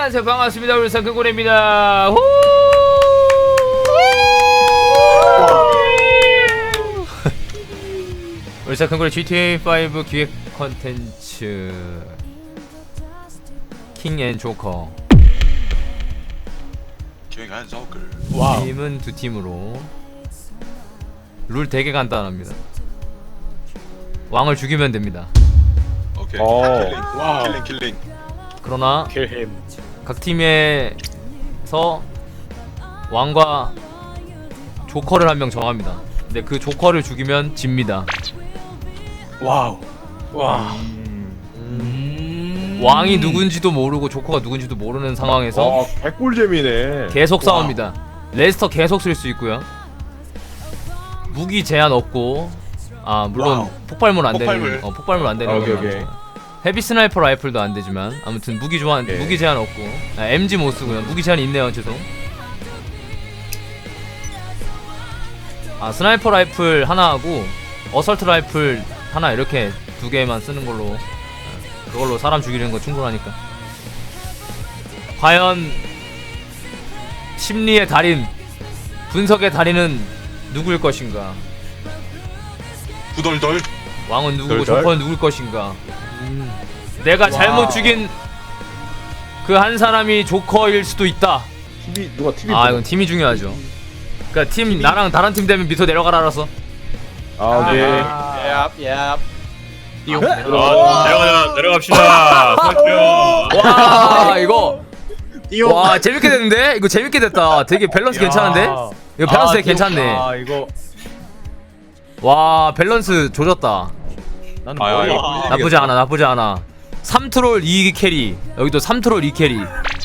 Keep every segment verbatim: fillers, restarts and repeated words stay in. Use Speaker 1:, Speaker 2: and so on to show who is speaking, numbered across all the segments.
Speaker 1: 안녕하세요, 반갑습니다. 울산 큰고래입니다. 후! 울산 큰고래 지티에이 오 기획 컨텐츠 킹 앤 조커.
Speaker 2: 킹앤 조커.
Speaker 3: 와우.
Speaker 1: 팀은 두 팀으로. 룰 되게 간단합니다. 왕을 죽이면 됩니다.
Speaker 2: 오케이.
Speaker 3: 오.
Speaker 2: 킬링.
Speaker 3: 와우.
Speaker 2: 킬링 킬링.
Speaker 1: 그러나
Speaker 3: 킬햄.
Speaker 1: 각 팀에서 왕과 조커를 한 명 정합니다. 근데 그 조커를 죽이면 집니다.
Speaker 3: 와우. 와.
Speaker 1: 음... 왕이 누군지도 모르고 조커가 누군지도 모르는 상황에서
Speaker 3: 와, 개꿀잼이네.
Speaker 1: 계속 싸웁니다. 레스터 계속 쓸 수 있고요. 무기 제한 없고, 아 물론
Speaker 2: 와우.
Speaker 1: 폭발물 안 되는,
Speaker 2: 폭발물.
Speaker 1: 어, 폭발물 안 되는
Speaker 3: 아, 오케이,
Speaker 1: 건
Speaker 3: 오케이.
Speaker 1: 많죠. 헤비 스나이퍼 라이플도 안 되지만 아무튼 무기 조한
Speaker 3: 오케이.
Speaker 1: 무기 제한 없고, 아, 엠지 못 쓰고요. 무기 제한 있네요. 죄송. 아 스나이퍼 라이플 하나 하고 어설트 라이플 하나 이렇게 두 개만 쓰는 걸로, 아, 그걸로 사람 죽이는 거 충분하니까. 과연 심리의 달인, 분석의 달인은 누구일 것인가?
Speaker 2: 구덜덜.
Speaker 1: 왕은 누구고
Speaker 3: 덜덜?
Speaker 1: 조커는 누굴 것인가? 내가 잘못
Speaker 3: 와우.
Speaker 1: 죽인 그 한 사람이 조커일 수도 있다.
Speaker 3: 티비 누가 티비?
Speaker 1: 아 이건 팀이 중요하죠. 그러니까 팀 나랑 다른 팀 되면 밑으로 내려가라 알았어.
Speaker 3: 아 오케이.
Speaker 4: 얍, 얍.
Speaker 3: 띠용.
Speaker 5: 아, 내려가자, 내려갑시다. 설정.
Speaker 1: 와 이거 와 재밌게 됐는데? 이거 재밌게 됐다. 되게 밸런스 괜찮은데? 이거 밸런스 되게 괜찮네.
Speaker 4: 아, 이거
Speaker 1: 와 밸런스 조졌다.
Speaker 4: 나는
Speaker 5: 아,
Speaker 4: 머리
Speaker 5: 아,
Speaker 1: 나쁘지 않아, 나쁘지 않아. 삼 트롤 이 캐리. 여기도 삼 트롤 이 캐리.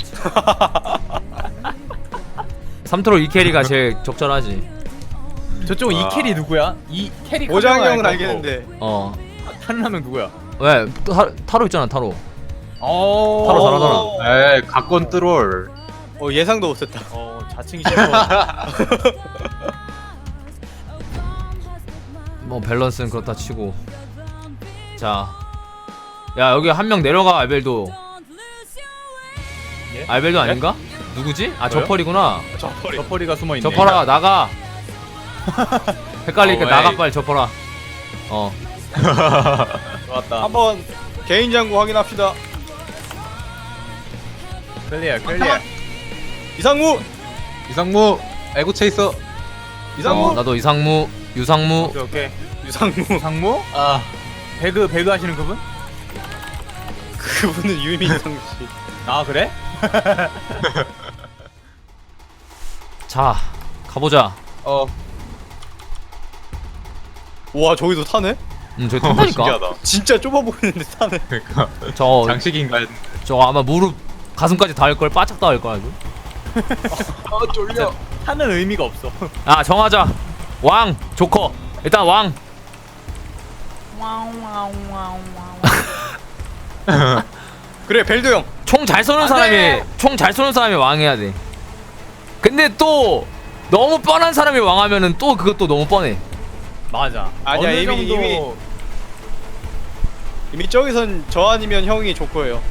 Speaker 1: 삼 트롤 이 캐리가 제일 적절하지.
Speaker 4: 저쪽
Speaker 5: 아.
Speaker 4: 이 캐리 누구야? 이 캐리
Speaker 6: 오장형은 알겠는데
Speaker 1: 어.
Speaker 4: 다른 한 명 누구야?
Speaker 1: 왜? 타, 타로 있잖아, 타로.
Speaker 4: 어.
Speaker 1: 타로 잘하잖아.
Speaker 5: 에이, 각권 트롤.
Speaker 6: 어 예상도 못했다.
Speaker 4: 어, 자칭이 싫어.
Speaker 1: 뭐 밸런스는 그렇다 치고. 자, 야 여기 한 명 내려가. 알벨도.
Speaker 4: 예?
Speaker 1: 알벨도 아닌가? 누구지? 아
Speaker 4: 저요?
Speaker 1: 저펄이구나.
Speaker 6: 저퍼리.
Speaker 4: 저퍼리가 숨어 있네.
Speaker 1: 저펄아 나가. 헷갈리니까
Speaker 5: 어,
Speaker 1: 나가
Speaker 5: 에이.
Speaker 1: 빨리 저펄아. 어.
Speaker 4: 좋았다.
Speaker 6: 한번 개인 장구 확인합시다.
Speaker 4: 클리어, 클리어.
Speaker 6: 이상무,
Speaker 5: 이상무, 에고 체이서.
Speaker 6: 이상무,
Speaker 1: 어, 나도 이상무, 유상무.
Speaker 4: 오케이, 오케이.
Speaker 6: 유상무.
Speaker 4: 상무?
Speaker 5: 아,
Speaker 4: 배그 배그 하시는 그분?
Speaker 6: 그분은 유민상 씨.
Speaker 4: 아, 그래?
Speaker 1: 자, 가보자.
Speaker 5: 어,
Speaker 6: 와 저기도 타네?
Speaker 1: 음, 저기 탄다니까.
Speaker 5: 신기하다.
Speaker 6: 진짜 좁아 보이는데 타네.
Speaker 5: 그러니까
Speaker 1: 저,
Speaker 5: 장식인가 했.
Speaker 1: 저 아마 무릎 가슴까지 닿을 걸, 바짝 닿을 걸 아주.
Speaker 5: 아, 쫄려.
Speaker 4: 하는 의미가 없어.
Speaker 1: 아 정하자. 왕, 조커. 일단 왕.
Speaker 6: 그래 벨도 형.
Speaker 1: 총 잘 쏘는 사람이 총 잘 쏘는 사람이 왕해야 돼. 근데 또 너무 뻔한 사람이 왕하면은 또 그것도 너무 뻔해.
Speaker 4: 맞아.
Speaker 6: 아니야,
Speaker 4: 어느
Speaker 6: 이미-
Speaker 4: 정도
Speaker 6: 이미- 이미 저기선 저 아니면 형이 조커예요.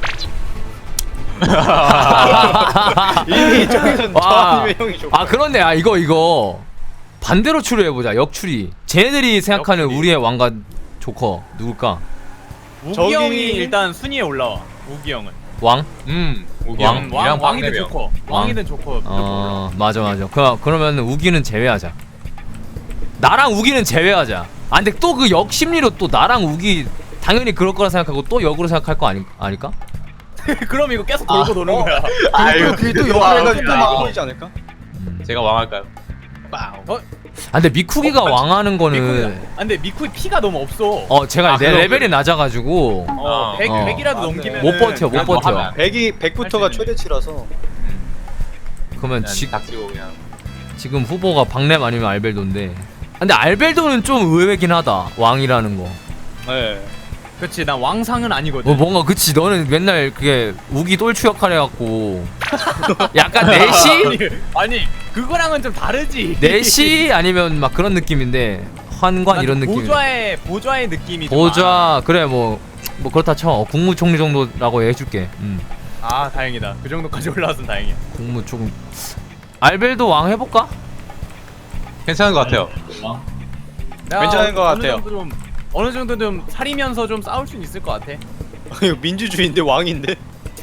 Speaker 6: 이미 저기선 저
Speaker 1: 와.
Speaker 6: 아니면 형이 조커.
Speaker 1: 아 그렇네. 아 이거 이거 반대로 추리해 보자. 역추리. 쟤네들이 생각하는
Speaker 4: 역추리.
Speaker 1: 우리의 왕과 조커 누굴까?
Speaker 4: 우기
Speaker 6: 저기-
Speaker 4: 형이 일단 순위에 올라와. 우기 형은.
Speaker 1: 왕?
Speaker 5: 음, 우기
Speaker 1: 왕?
Speaker 5: 형,
Speaker 4: 왕,
Speaker 5: 이랑
Speaker 4: 왕이든
Speaker 5: 빵내며.
Speaker 4: 조커.
Speaker 1: 왕.
Speaker 4: 왕이든 조커. 무조건 올라와.
Speaker 1: 어 맞아 맞아. 그 그러면 우기는 제외하자. 나랑 우기는 제외하자. 아 근데 또 그 역심리로 또 나랑 우기 당연히 그럴 거라 생각하고 또 역으로 생각할 거 아니 아닐까?
Speaker 4: 그럼 이거 계속 돌고 도는 거야.
Speaker 5: 아유,
Speaker 6: 그게 또
Speaker 5: 이거
Speaker 6: 역할해가지고 또
Speaker 5: 왕이야,
Speaker 6: 막
Speaker 5: 이거.
Speaker 6: 보이지 않을까?
Speaker 5: 제가 왕할까요? 빵.
Speaker 4: 어?
Speaker 1: 아 근데 미쿠기가 왕하는
Speaker 4: 미쿠이가.
Speaker 1: 거는
Speaker 4: 아, 근데 미쿠이 피가 너무 없어.
Speaker 1: 어 제가
Speaker 5: 아,
Speaker 1: 내
Speaker 5: 그럼,
Speaker 1: 레벨이 낮아가지고
Speaker 4: 어,
Speaker 5: 어.
Speaker 4: 백,
Speaker 1: 어.
Speaker 4: 백이라도
Speaker 6: 맞네.
Speaker 4: 넘기면
Speaker 1: 못 버텨 못
Speaker 5: 그냥
Speaker 1: 버텨.
Speaker 5: 뭐 하면
Speaker 6: 백이 백부터가
Speaker 4: 할 수 있는.
Speaker 6: 최대치라서.
Speaker 1: 그러면
Speaker 5: 그냥
Speaker 1: 지,
Speaker 5: 닥치고 그냥.
Speaker 1: 지금 후보가 박렘 아니면 알벨도인데. 근데 알벨도는 좀 의외긴 하다. 왕이라는 거.
Speaker 6: 네.
Speaker 4: 그렇지. 난 왕상은 아니거든.
Speaker 1: 뭐 뭔가 그치 너는 맨날 그게 우기 똘추 역할 해갖고 약간 내시?
Speaker 4: 아니, 아니 그거랑은 좀 다르지.
Speaker 1: 내시 아니면 막 그런 느낌인데 환관
Speaker 4: 난
Speaker 1: 이런 느낌.
Speaker 4: 보좌의 보좌의 느낌이 좀
Speaker 1: 보좌 그래 뭐 뭐 그렇다 쳐. 어, 국무총리 정도라고 해줄게. 음.
Speaker 4: 아 다행이다. 그 정도까지 올라왔으면 다행이야.
Speaker 1: 공무 조금. 알벨도 왕 해볼까?
Speaker 5: 괜찮은 것 같아요.
Speaker 6: 어?
Speaker 4: 내가
Speaker 6: 괜찮은 것
Speaker 4: 어느
Speaker 6: 같아요.
Speaker 4: 정도 좀, 어느 정도 좀 사리면서 좀 싸울 수 있을 것 같아.
Speaker 6: 이거 민주주의인데 왕인데.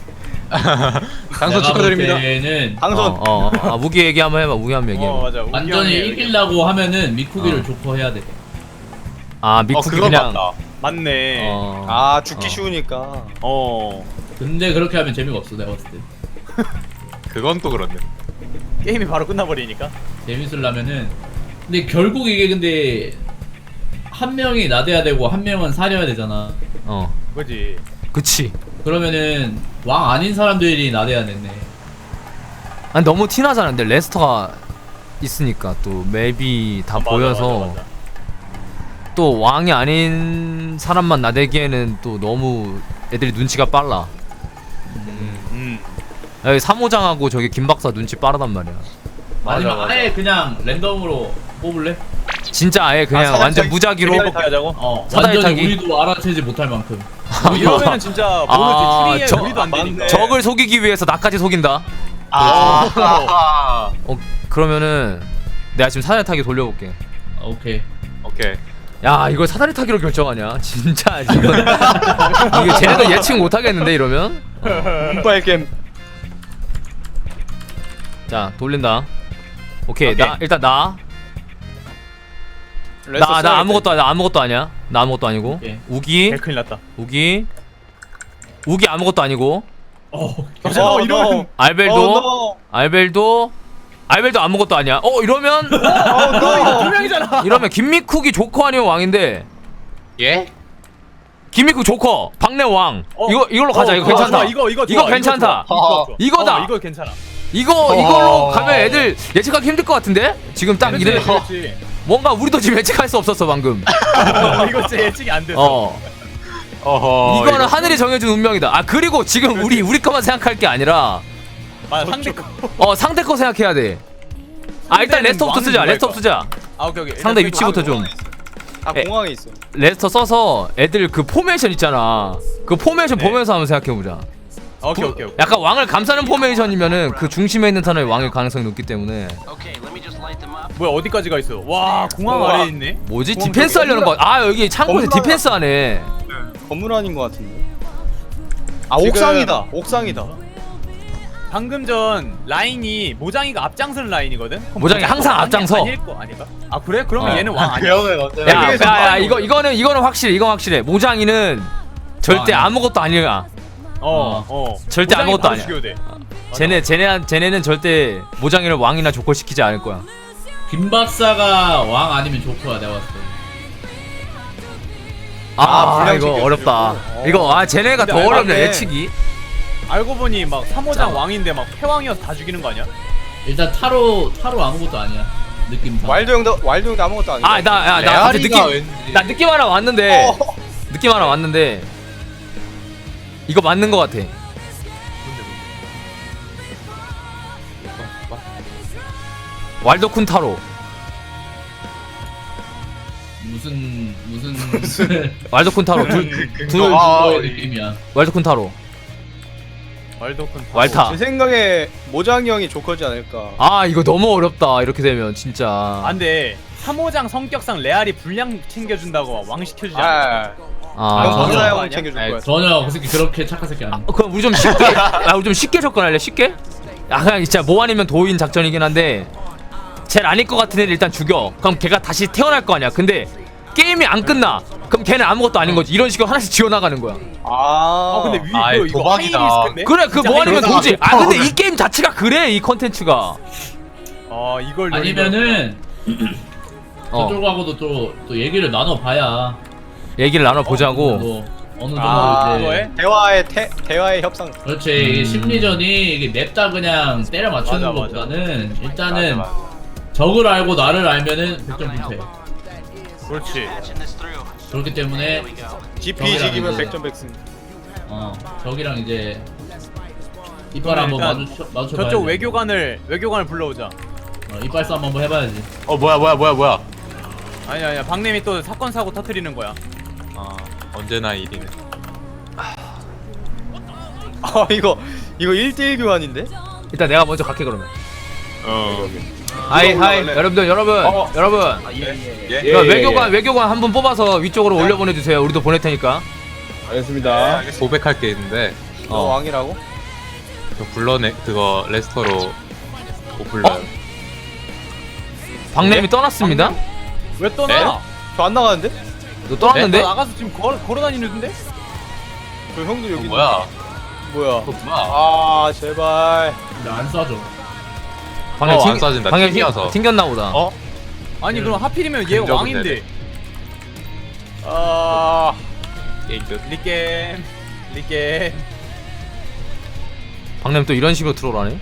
Speaker 5: 당선 축하드립니다.
Speaker 7: 때는
Speaker 6: 당선.
Speaker 1: 어, 어, 어. 아, 무기 얘기 한번 해봐. 무기 한번 얘기해봐.
Speaker 4: 어 맞아. 우기
Speaker 7: 완전히
Speaker 4: 형이
Speaker 7: 이기려고 하면은 미쿠비를
Speaker 1: 어.
Speaker 7: 조커해야 돼.
Speaker 1: 아
Speaker 5: 어
Speaker 1: 미쿠기
Speaker 5: 그건
Speaker 1: 그냥.
Speaker 5: 맞다.
Speaker 4: 맞네. 어.
Speaker 1: 어.
Speaker 6: 아 죽기
Speaker 1: 어.
Speaker 6: 쉬우니까.
Speaker 7: 근데 그렇게 하면 재미가 없어 내가 봤을 때.
Speaker 5: 그건 또 그렇네.
Speaker 4: 게임이 바로 끝나버리니까.
Speaker 7: 재밌으려면은 근데 결국 이게 근데 한 명이 나대야 되고 한 명은 사려야 되잖아.
Speaker 1: 어.
Speaker 4: 그지.
Speaker 1: 그치.
Speaker 7: 그러면은 왕 아닌 사람들이 나대야 되네.
Speaker 1: 아니 너무 티나잖아. 근데 레스터가 있으니까 또 맵이 다
Speaker 4: 아, 맞아,
Speaker 1: 보여서
Speaker 4: 맞아, 맞아.
Speaker 1: 또 왕이 아닌 사람만 나대기에는 또 너무 애들이 눈치가 빨라.
Speaker 4: 음.
Speaker 1: 여기 삼호장하고 저기 김박사 눈치 빠르단 말이야.
Speaker 7: 아니면
Speaker 4: 맞아.
Speaker 7: 아예 그냥 랜덤으로 뽑을래?
Speaker 1: 진짜 아예 그냥
Speaker 6: 사다리
Speaker 1: 완전
Speaker 6: 타기.
Speaker 1: 무작위로.
Speaker 4: 이렇게 하자고.
Speaker 7: 어
Speaker 1: 사다리
Speaker 7: 완전히
Speaker 1: 타기?
Speaker 7: 우리도 알아채지 못할 만큼.
Speaker 4: 이러면은 진짜
Speaker 1: 아,
Speaker 4: 모르지. 추리에
Speaker 1: 저-
Speaker 4: 우리도 안 되니까.
Speaker 1: 적을 속이기 위해서 나까지 속인다.
Speaker 5: 아.
Speaker 1: 어 그러면은 내가 지금 사다리 타기 돌려볼게.
Speaker 7: 오케이.
Speaker 5: 오케이.
Speaker 1: 야 이걸 사다리 타기로 결정하냐? 진짜 지금 이게 쟤네도 예측 못하겠는데 이러면?
Speaker 6: 운빨 게임.
Speaker 1: 자 돌린다. 오케이,
Speaker 5: 오케이.
Speaker 1: 나 일단 나
Speaker 6: 레서
Speaker 1: 나 나
Speaker 6: 써야
Speaker 1: 아무것도 아니 아무것도 아니야. 나 아무것도 아니고.
Speaker 7: 오케이.
Speaker 1: 우기
Speaker 4: 개 큰일 났다.
Speaker 1: 우기 우기 아무것도 아니고.
Speaker 7: 어.
Speaker 6: 돼.
Speaker 4: 어,
Speaker 6: 어,
Speaker 4: 이런-
Speaker 6: 너.
Speaker 1: 알벨도
Speaker 6: 어,
Speaker 1: 알벨도 알벨도 아무것도 아니야. 어 이러면
Speaker 4: 너 두 명이잖아.
Speaker 1: 이러면 김미쿡이 조커 아니면 왕인데.
Speaker 5: 예?
Speaker 1: 김미쿡 조커 박내 왕.
Speaker 4: 어.
Speaker 1: 이거 이걸로 가자.
Speaker 4: 어,
Speaker 1: 이거
Speaker 4: 좋아,
Speaker 1: 괜찮다.
Speaker 4: 좋아. 이거 이거
Speaker 1: 이거
Speaker 4: 좋아.
Speaker 1: 괜찮다.
Speaker 4: 이거 좋아. 이거 좋아.
Speaker 1: 이거다.
Speaker 4: 어, 이거 괜찮아.
Speaker 1: 이거 이걸로 가면 애들 예측하기 힘들 것 같은데? 지금 딱
Speaker 4: 그렇지,
Speaker 1: 이래
Speaker 4: 그렇지.
Speaker 1: 뭔가 우리도 지금 예측할 수 없었어 방금.
Speaker 4: 어, 이거 진짜 예측이 안 됐어.
Speaker 1: 어
Speaker 5: 어허.
Speaker 1: 이거는
Speaker 5: 이거-
Speaker 1: 하늘이 정해준 운명이다. 아 그리고 지금 우리 우리 거만 생각할 게 아니라
Speaker 4: 맞아, 상대 거.
Speaker 1: 어 상대 거 생각해야 돼. 아 일단
Speaker 4: 상대는
Speaker 1: 레스터부터 쓰자.
Speaker 4: 왕이
Speaker 1: 레스터 쓰자.
Speaker 4: 아 오케이 오케이.
Speaker 1: 상대
Speaker 4: 일단
Speaker 1: 위치부터 좀.
Speaker 6: 아
Speaker 1: 에.
Speaker 6: 공항에 있어.
Speaker 1: 레스터 써서 애들 그 포메이션 있잖아. 그 포메이션
Speaker 4: 네.
Speaker 1: 보면서 한번 생각해보자.
Speaker 4: 오케이 오케이 오케이.
Speaker 1: 약간 왕을 감싸는 포메이션이면은 그 중심에 있는 사람이 왕일 가능성이 높기 때문에
Speaker 4: 뭐야 어디까지 가 있어? 와 공항
Speaker 6: 우와.
Speaker 4: 아래에 있네.
Speaker 1: 뭐지?
Speaker 4: 공항
Speaker 1: 디펜스
Speaker 4: 저기
Speaker 1: 하려는 거. 아 여기 창고에서
Speaker 6: 건물
Speaker 1: 디펜스 하네.
Speaker 6: 건물 아닌 것 같은데. 아
Speaker 4: 지금-
Speaker 6: 옥상이다. 옥상이다.
Speaker 4: 방금 전 라인이 모장이가 앞장서는 라인이거든. 그럼
Speaker 1: 모장이 항상
Speaker 4: 왕이
Speaker 1: 앞장서.
Speaker 4: 아닐 거 아닌가? 아 그래? 그러면
Speaker 1: 어.
Speaker 4: 얘는 왕 아니야.
Speaker 5: 배영을 어때?
Speaker 1: 야,
Speaker 6: 여기에서
Speaker 1: 야, 야,
Speaker 6: 왕이
Speaker 1: 이거
Speaker 6: 오네.
Speaker 1: 이거는 이거는 확실해. 이건 확실해. 모장이는 절대
Speaker 7: 왕이야.
Speaker 1: 아무것도 아니야.
Speaker 4: 어 어.
Speaker 1: 절대
Speaker 4: 모장이
Speaker 1: 아무것도
Speaker 4: 바로
Speaker 1: 아니야.
Speaker 4: 죽여도 돼.
Speaker 1: 쟤네 쟤네 쟤네는 절대 모장이를 왕이나 조커 시키지 않을 거야.
Speaker 7: 김 박사가 왕 아니면 조커야 내가 봤을 때.
Speaker 1: 아,
Speaker 6: 아, 불량
Speaker 1: 이거
Speaker 6: 챙겨주려고.
Speaker 1: 어렵다.
Speaker 4: 어.
Speaker 1: 이거 아 쟤네가
Speaker 4: 근데
Speaker 1: 더
Speaker 4: 알고
Speaker 1: 어렵네
Speaker 6: 봤네.
Speaker 1: 예측이.
Speaker 4: 알고 보니 막 삼호장 왕인데 막 패왕이어서 다 죽이는 거 아니야?
Speaker 7: 일단 타로 타로 아무것도 아니야. 느낌상.
Speaker 6: 와일드 형도 와일드 형도 아무것도 아니야.
Speaker 1: 아 나 야 나 갑자기
Speaker 5: 레아리가
Speaker 1: 느낌
Speaker 5: 왠지-
Speaker 1: 나 느낌 하나 왔는데
Speaker 6: 어.
Speaker 1: 느낌 하나 왔는데 이거 맞는 거 같아. 왈도쿤 타로.
Speaker 7: 무슨 무슨
Speaker 1: 왈도쿤 타로 둘 둘
Speaker 5: 아,
Speaker 7: 그거의
Speaker 5: 이-
Speaker 7: 느낌이야.
Speaker 1: 왈도쿤 타로.
Speaker 4: 왈도쿤
Speaker 1: 왈타.
Speaker 6: 제 생각에 모장이 형이 조커지 않을까.
Speaker 1: 아 이거 너무 어렵다. 이렇게 되면 진짜.
Speaker 4: 안돼. 삼호장 성격상 레알이 분량 챙겨준다고 왕 시켜주지 않아.
Speaker 6: 아,
Speaker 1: 아,
Speaker 6: 형
Speaker 7: 전혀
Speaker 6: 박사
Speaker 4: 아니야?
Speaker 6: 형 챙겨줄
Speaker 7: 아니,
Speaker 6: 거야.
Speaker 7: 전혀 그 새끼 그렇게 착한 새끼 아니야.
Speaker 1: 어, 그럼 우리 좀 쉽게 아 우리 좀 쉽게 접근할래? 쉽게? 아 그냥 진짜 뭐 아니면 도인 작전이긴 한데 쟤를 아닐 것 같은 애를 일단 죽여. 그럼 걔가 다시 태어날 거 아니야. 근데 게임이 안 끝나. 그럼 걔는 아무것도 아닌 거지. 이런 식으로 하나씩 지어나가는 거야.
Speaker 6: 아,
Speaker 4: 아 근데 위
Speaker 5: 아,
Speaker 4: 이거 이거
Speaker 5: 도박이다.
Speaker 4: 하이리스크인데?
Speaker 1: 그래 그
Speaker 4: 진짜
Speaker 1: 뭐 아니면
Speaker 4: 하이리스크.
Speaker 1: 도지. 아 근데 이 게임 자체가 그래 이 컨텐츠가.
Speaker 4: 아 이걸
Speaker 7: 아니면은
Speaker 1: 어
Speaker 7: 저쪽하고도 또, 또 얘기를 나눠봐야
Speaker 1: 얘기를 나눠 보자고.
Speaker 7: 뭐 어느 정도
Speaker 4: 아
Speaker 7: 이제
Speaker 4: 그거에?
Speaker 6: 대화의 태, 대화의 협상.
Speaker 7: 그렇지 이게 심리전이 이게 냅다 그냥 때려 맞추는
Speaker 4: 맞아, 맞아.
Speaker 7: 것보다는 일단은
Speaker 5: 맞아,
Speaker 7: 적을 알고 나를 알면은 백 점 불패.
Speaker 4: 그렇지.
Speaker 7: 그렇기 때문에
Speaker 6: 지피 지기면
Speaker 7: 이제-
Speaker 6: 백 점 백승.
Speaker 7: 어 적이랑 이제 이빨 한번
Speaker 4: 일단
Speaker 7: 마주쳐 마주쳐
Speaker 4: 저쪽 외교관을 외교관을 불러오자.
Speaker 7: 어, 이빨 싸움 한번 해봐야지.
Speaker 5: 어 뭐야 뭐야 뭐야 뭐야.
Speaker 4: 아니 아니야 박님이 또 사건 사고 터트리는 거야.
Speaker 5: 아 언제나 일이네.
Speaker 6: 아 이거 이거 일 대 일 교환인데?
Speaker 1: 일단 내가 먼저 갈게 그러면.
Speaker 5: 어.
Speaker 1: 하이 하이
Speaker 2: 올라갈래?
Speaker 1: 여러분들 여러분
Speaker 3: 어.
Speaker 1: 여러분.
Speaker 2: 예?
Speaker 3: 예,
Speaker 1: 이거
Speaker 3: 예,
Speaker 1: 외교관
Speaker 3: 예.
Speaker 1: 외교관 한 분 뽑아서 위쪽으로 올려 보내주세요. 우리도 보낼 테니까.
Speaker 3: 알겠습니다.
Speaker 5: 고백할 게 있는데
Speaker 6: 너
Speaker 1: 어.
Speaker 6: 왕이라고?
Speaker 5: 저 불러내 그거 레스터로 못 불러요.
Speaker 1: 박냄이 떠났습니다.
Speaker 4: 왜 떠나?
Speaker 6: 저 안 나가는데?
Speaker 1: 너 떠났는데?
Speaker 4: 너 나가서 지금 걸어 걸어 다니는데?
Speaker 6: 저 형도 여기
Speaker 5: 어, 뭐야?
Speaker 6: 뭐야?
Speaker 5: 그거 뭐야?
Speaker 6: 아 제발.
Speaker 7: 근데 안 쏴줘.
Speaker 1: 방금
Speaker 5: 어,
Speaker 1: 튕-
Speaker 5: 안 쏴진다.
Speaker 1: 방금
Speaker 5: 튕겨서.
Speaker 1: 튕겼나 보다.
Speaker 5: 어?
Speaker 4: 아니 그럼 하필이면 얘가
Speaker 5: 근접은
Speaker 4: 왕인데.
Speaker 5: 되네.
Speaker 6: 아
Speaker 5: 게임 끝.
Speaker 4: 리겜 리겜.
Speaker 1: 박냄 또 이런 식으로 트롤하네.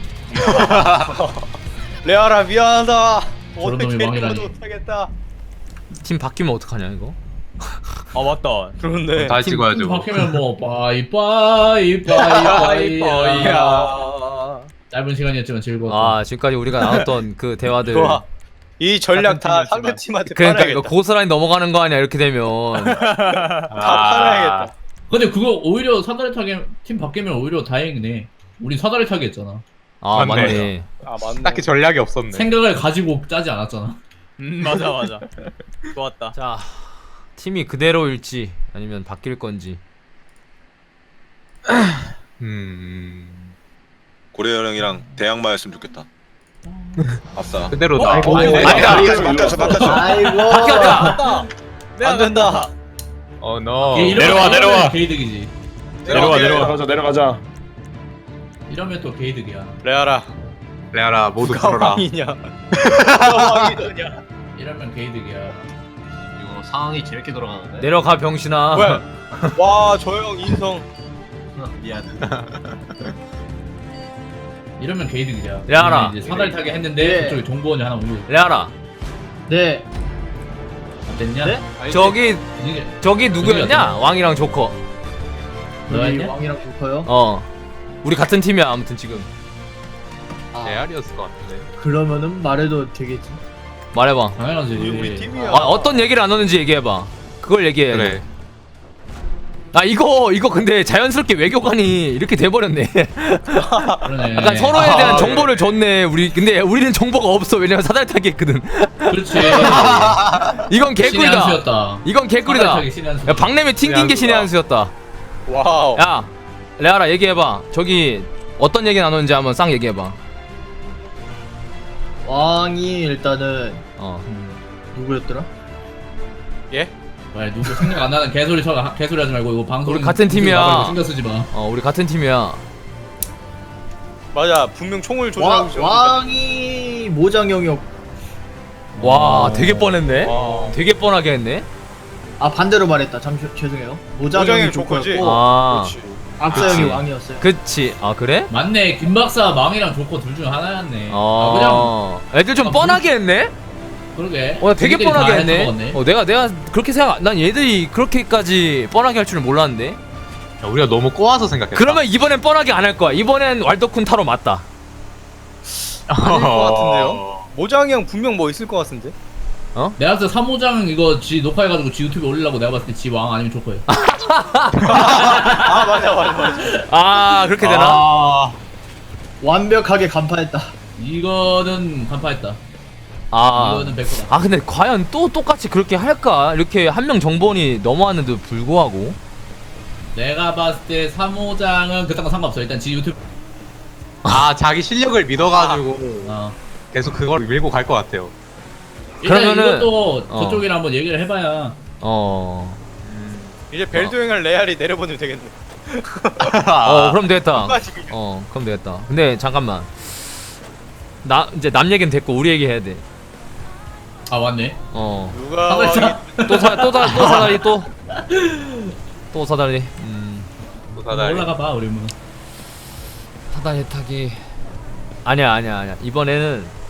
Speaker 6: 레아라 미안하다. 오늘
Speaker 7: 놈이
Speaker 6: 캐리어도
Speaker 7: 왕이라니.
Speaker 6: 못하겠다.
Speaker 1: 팀 바뀌면 어떡하냐 이거.
Speaker 4: 아 맞다.
Speaker 6: 그런데
Speaker 5: 다시
Speaker 7: 팀
Speaker 5: 찍어야죠.
Speaker 7: 바뀌면 뭐 빠이빠이 빠이빠이.
Speaker 6: 야.
Speaker 7: 짧은 시간이었지만 즐거웠어.
Speaker 1: 아 지금까지 우리가 나눴던 그 대화들.
Speaker 6: 좋아. 이 전략 다
Speaker 4: 같은
Speaker 6: 상대
Speaker 4: 팀이었지만.
Speaker 6: 팀한테
Speaker 1: 그러니까 이거
Speaker 6: 팔아야겠다.
Speaker 1: 고스란히 넘어가는 거 아니야 이렇게 되면.
Speaker 6: 다 팔아야겠다.
Speaker 7: 근데 그거 오히려 사다리 타기 팀 바뀌면 오히려 다행이네. 우리 사다리 타기 했잖아.
Speaker 1: 아
Speaker 5: 맞네.
Speaker 1: 맞네.
Speaker 6: 아 맞네.
Speaker 5: 딱히 전략이 없었네.
Speaker 7: 생각을 가지고 짜지 않았잖아.
Speaker 4: 음 맞아 맞아. 좋았다.
Speaker 1: 자 팀이 그대로일지 아니면 바뀔 건지.
Speaker 5: 음.
Speaker 2: 고래열 형이랑 대항마였으면 좋겠다. 아싸.
Speaker 5: 그대로다.
Speaker 7: 아이고.
Speaker 5: 아닌데?
Speaker 1: 아니다.
Speaker 2: 바뀌었어 바뀌었어 바뀌었어.
Speaker 8: 아이고.
Speaker 1: 바뀌었다.
Speaker 6: 안 된다.
Speaker 5: 어 너.
Speaker 7: 걔 이러면-
Speaker 3: 내려와,
Speaker 7: 이러면
Speaker 3: 내려와.
Speaker 7: 게이득이지.
Speaker 3: 내려가
Speaker 2: 내려갈게.
Speaker 3: 내려가자 내려가자.
Speaker 7: 이러면 또 게이득이야.
Speaker 6: 레아라.
Speaker 5: 레아라 모두
Speaker 6: 누가
Speaker 5: 풀어라.
Speaker 6: 왕이냐? 누가 왕이더냐?
Speaker 7: 이러면 게이득이야.
Speaker 8: 이거 상황이 재밌게 돌아가는데.
Speaker 1: 내려가 병신아.
Speaker 6: 뭐야? 와, 저 형 인성.
Speaker 8: 미안.
Speaker 7: 이러면 게이득이야.
Speaker 1: 레아라.
Speaker 7: 이제 사다리 타기 했는데
Speaker 8: 네.
Speaker 7: 그쪽에 정보원이 하나 오고.
Speaker 1: 레아라.
Speaker 8: 네.
Speaker 7: 안 됐냐?
Speaker 8: 네?
Speaker 1: 저기
Speaker 7: 이게
Speaker 1: 저기 누구였냐?
Speaker 7: 누구였냐?
Speaker 1: 왕이랑 조커.
Speaker 8: 여기
Speaker 7: 너였냐?
Speaker 8: 왕이랑 조커요?
Speaker 1: 어. 우리 같은 팀이야 아무튼 지금.
Speaker 8: 아,
Speaker 5: 레알이었을 것 같은데.
Speaker 8: 그러면은 말해도 되겠지.
Speaker 1: 말해봐.
Speaker 7: 당연하지.
Speaker 6: 우리 우리 팀이야.
Speaker 1: 아, 어떤 얘기를 안 하는지 얘기해봐. 그걸 얘기해.
Speaker 5: 그래.
Speaker 1: 아 이거 이거 근데 자연스럽게 외교관이 이렇게 돼버렸네.
Speaker 7: 그러네.
Speaker 1: 약간 서로에
Speaker 6: 아,
Speaker 1: 대한
Speaker 6: 네.
Speaker 1: 정보를 줬네. 우리 근데 우리는 정보가 없어. 왜냐면 사다리 타기 했거든.
Speaker 7: 그렇지.
Speaker 1: 이건
Speaker 7: 신의
Speaker 1: 개꿀이다.
Speaker 7: 한 수였다.
Speaker 1: 이건
Speaker 7: 사다리
Speaker 1: 개꿀이다.
Speaker 7: 타기 신의 한 수.
Speaker 1: 야 박냄이 튕긴 게 신의
Speaker 5: 신의
Speaker 1: 한 수였다.
Speaker 6: 와우.
Speaker 1: 야 레아라 얘기해봐. 저기 어떤 얘기 나누는지 한번 싹 얘기해봐.
Speaker 8: 왕이 일단은
Speaker 1: 어.
Speaker 8: 누구였더라?
Speaker 6: 예?
Speaker 7: 왜 누구 생각 안 나는 개소리 쳐 개소리 하지 말고 이거 방송
Speaker 1: 우리 같은 팀이야.
Speaker 7: 신경 쓰지 마.
Speaker 1: 어 우리 같은 팀이야.
Speaker 6: 맞아. 분명 총을
Speaker 8: 왕,
Speaker 6: 조절하고 있어.
Speaker 8: 왕이 모장형이었.
Speaker 1: 와 되게 뻔했네.
Speaker 6: 와.
Speaker 1: 되게 뻔하게 했네.
Speaker 8: 아 반대로 말했다. 잠시 죄송해요. 모장형이
Speaker 6: 모장형이 조커지?
Speaker 8: 조커였고
Speaker 1: 아
Speaker 6: 그렇지.
Speaker 8: 악사형이
Speaker 1: 그치.
Speaker 8: 왕이었어요.
Speaker 1: 그치. 아 그래?
Speaker 7: 맞네. 김 박사 망이랑 조커 둘 중 하나였네. 아, 그냥
Speaker 1: 어. 애들 좀
Speaker 7: 아,
Speaker 1: 뻔하게 했네.
Speaker 7: 그러게.
Speaker 1: 어 되게
Speaker 7: 자기들이
Speaker 1: 뻔하게
Speaker 7: 다
Speaker 1: 했네.
Speaker 7: 해쳐먹었네.
Speaker 1: 어 내가 내가 그렇게 생각. 난 얘들이 그렇게까지 뻔하게 할 줄은 몰랐는데.
Speaker 5: 야, 우리가 너무 꼬아서 생각했다.
Speaker 1: 그러면 이번엔 뻔하게 안 할 거야. 이번엔 왈도쿤 타로 맞다.
Speaker 6: 아닐 것 같은데요? 모장이 형 분명 뭐 있을 것 같은데?
Speaker 7: 내가 봤을 때 삼호장 이거 지 녹화해가지고 지 유튜브에 올리려고 내가 봤을 때 지 왕 아니면 조커예요.
Speaker 6: 아 맞아 맞아 맞아.
Speaker 1: 아 그렇게 되나?
Speaker 5: 아,
Speaker 8: 완벽하게 간파했다.
Speaker 7: 이거는 간파했다.
Speaker 1: 아.
Speaker 7: 이거는 백 퍼센트다.
Speaker 1: 아 근데 과연 또 똑같이 그렇게 할까? 이렇게 한 명 정보원이 넘어왔는데도 불구하고.
Speaker 7: 내가 봤을 때 삼호장은 그딴 거 상관없어. 일단 지 유튜브.
Speaker 5: 아 자기 실력을 믿어가지고
Speaker 7: 어.
Speaker 5: 계속 그걸 밀고 갈 것 같아요.
Speaker 7: 일단
Speaker 1: 그러면은-
Speaker 7: 이것도
Speaker 1: 어.
Speaker 7: 저쪽이랑 한번 얘기를 해봐야.
Speaker 1: 어.
Speaker 6: 이제 벨도행을 레알이 내려보내면 되겠네.
Speaker 1: 어 그럼 되겠다.
Speaker 6: 똑같이 그냥.
Speaker 1: 어 그럼 되겠다. 근데 잠깐만. 나 이제 남 얘기는 됐고 우리 얘기 해야 돼.
Speaker 7: 아 맞네.
Speaker 1: 어.
Speaker 6: 누가
Speaker 7: 사다리
Speaker 6: 왕이
Speaker 7: 타.
Speaker 1: 또사또사또 사다리 또. 또 사다리. 음.
Speaker 5: 또 사다리.
Speaker 7: 올라가 봐 우리 뭐.
Speaker 1: 사다리 타기. 아니야 아니야 아니야. 이번에는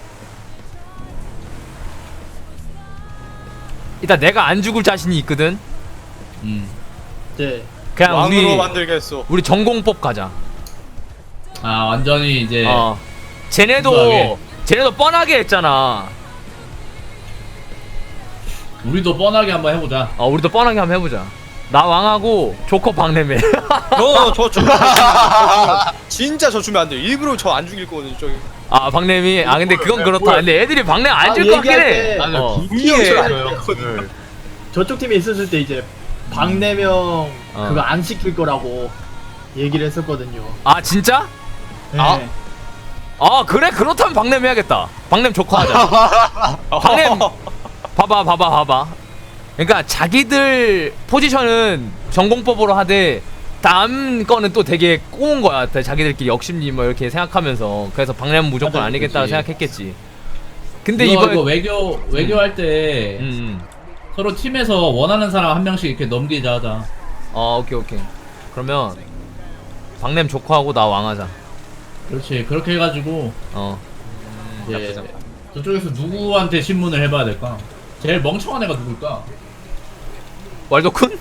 Speaker 1: 일단 내가 안 죽을 자신이 있거든.
Speaker 7: 음.
Speaker 8: 네.
Speaker 1: 그냥
Speaker 6: 왕으로
Speaker 1: 우리
Speaker 6: 만들겠어.
Speaker 1: 우리 전공법 가자.
Speaker 7: 아 완전히 이제.
Speaker 1: 어. 쟤네도
Speaker 7: 순수하게.
Speaker 1: 쟤네도 뻔하게 했잖아.
Speaker 7: 우리도 뻔하게 한번 해보자.
Speaker 1: 어 우리도 뻔하게 한번 해보자. 나 왕하고 조커 박내매.
Speaker 6: 저저 주면 진짜 저 주면 안 돼요. 일부러 저 안 죽일 거거든요. 저기.
Speaker 1: 아 박내미. 아 근데 그건 그렇다. 근데 애들이 박내 안 줄
Speaker 8: 아,
Speaker 1: 것 같긴
Speaker 8: 얘기할
Speaker 1: 해.
Speaker 8: 때-
Speaker 1: 어.
Speaker 5: 분명해요.
Speaker 8: 저쪽 팀에 있었을 때 이제 박네명
Speaker 1: 어.
Speaker 8: 그거 안 시킬 거라고 얘기를 했었거든요.
Speaker 1: 아 진짜?
Speaker 8: 네.
Speaker 5: 아.
Speaker 1: 아 그래? 그렇다면 박냄 해야겠다. 박냄 조커 하자. 박냄 봐봐 봐봐 봐봐. 그러니까 자기들 포지션은 전공법으로 하되 다음 거는 또 되게 꼬운 거야. 자기들끼리 역심리 뭐 이렇게 생각하면서. 그래서 박냄은 무조건
Speaker 7: 맞아,
Speaker 1: 아니겠다
Speaker 7: 그치.
Speaker 1: 생각했겠지. 근데
Speaker 7: 이거,
Speaker 1: 이번에
Speaker 7: 이거 외교 외교할 때
Speaker 1: 음, 음.
Speaker 7: 서로 팀에서 원하는 사람 한 명씩 이렇게 넘기자 하자.
Speaker 1: 어 오케이 오케이. 그러면 박냄 조커하고 나 왕하자.
Speaker 7: 그렇지. 그렇게 해가지고
Speaker 1: 어.
Speaker 7: 이제 저쪽에서 누구한테 신문을 해봐야 될까? 제일 멍청한 애가 누굴까?
Speaker 1: 왈도쿤?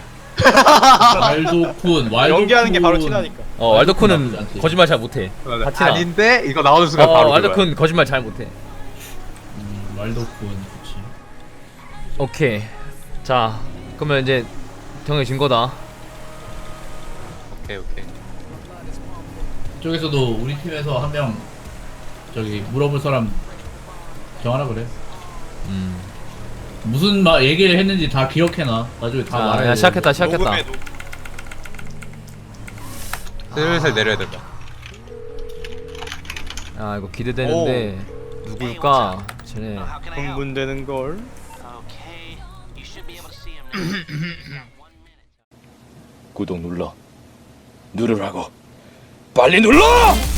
Speaker 7: 왈도쿤, 왈도쿤.
Speaker 6: 연기하는 게 바로 티나니까.
Speaker 1: 어
Speaker 7: 나쁘지
Speaker 1: 왈도쿤은
Speaker 7: 않지.
Speaker 1: 거짓말 잘 못해. 파티나.
Speaker 5: 아닌데 이거 나오는 순간
Speaker 1: 어
Speaker 5: 바로 그거야.
Speaker 1: 왈도쿤 거짓말 잘 못해.
Speaker 7: 음, 왈도쿤, 그렇지.
Speaker 1: 오케이. 자 그러면 이제 정해진 거다.
Speaker 5: 오케이 오케이.
Speaker 7: 저쪽에서도 우리 팀에서 한 명 저기 물어볼 사람 정하라 그래.
Speaker 1: 음.
Speaker 7: 무슨 말 얘기를 했는지 다 기억해놔. 나중에 다
Speaker 1: 자,
Speaker 7: 말해.
Speaker 1: 야, 시작했다 시작했다.
Speaker 6: 녹음해, 녹음.
Speaker 5: 슬슬 내려야 된다.
Speaker 1: 아 이거 기대되는데 누굴까? 쟤네.
Speaker 6: 흥분되는 걸.
Speaker 3: 구독 눌러. 누르라고. 빨리 눌러!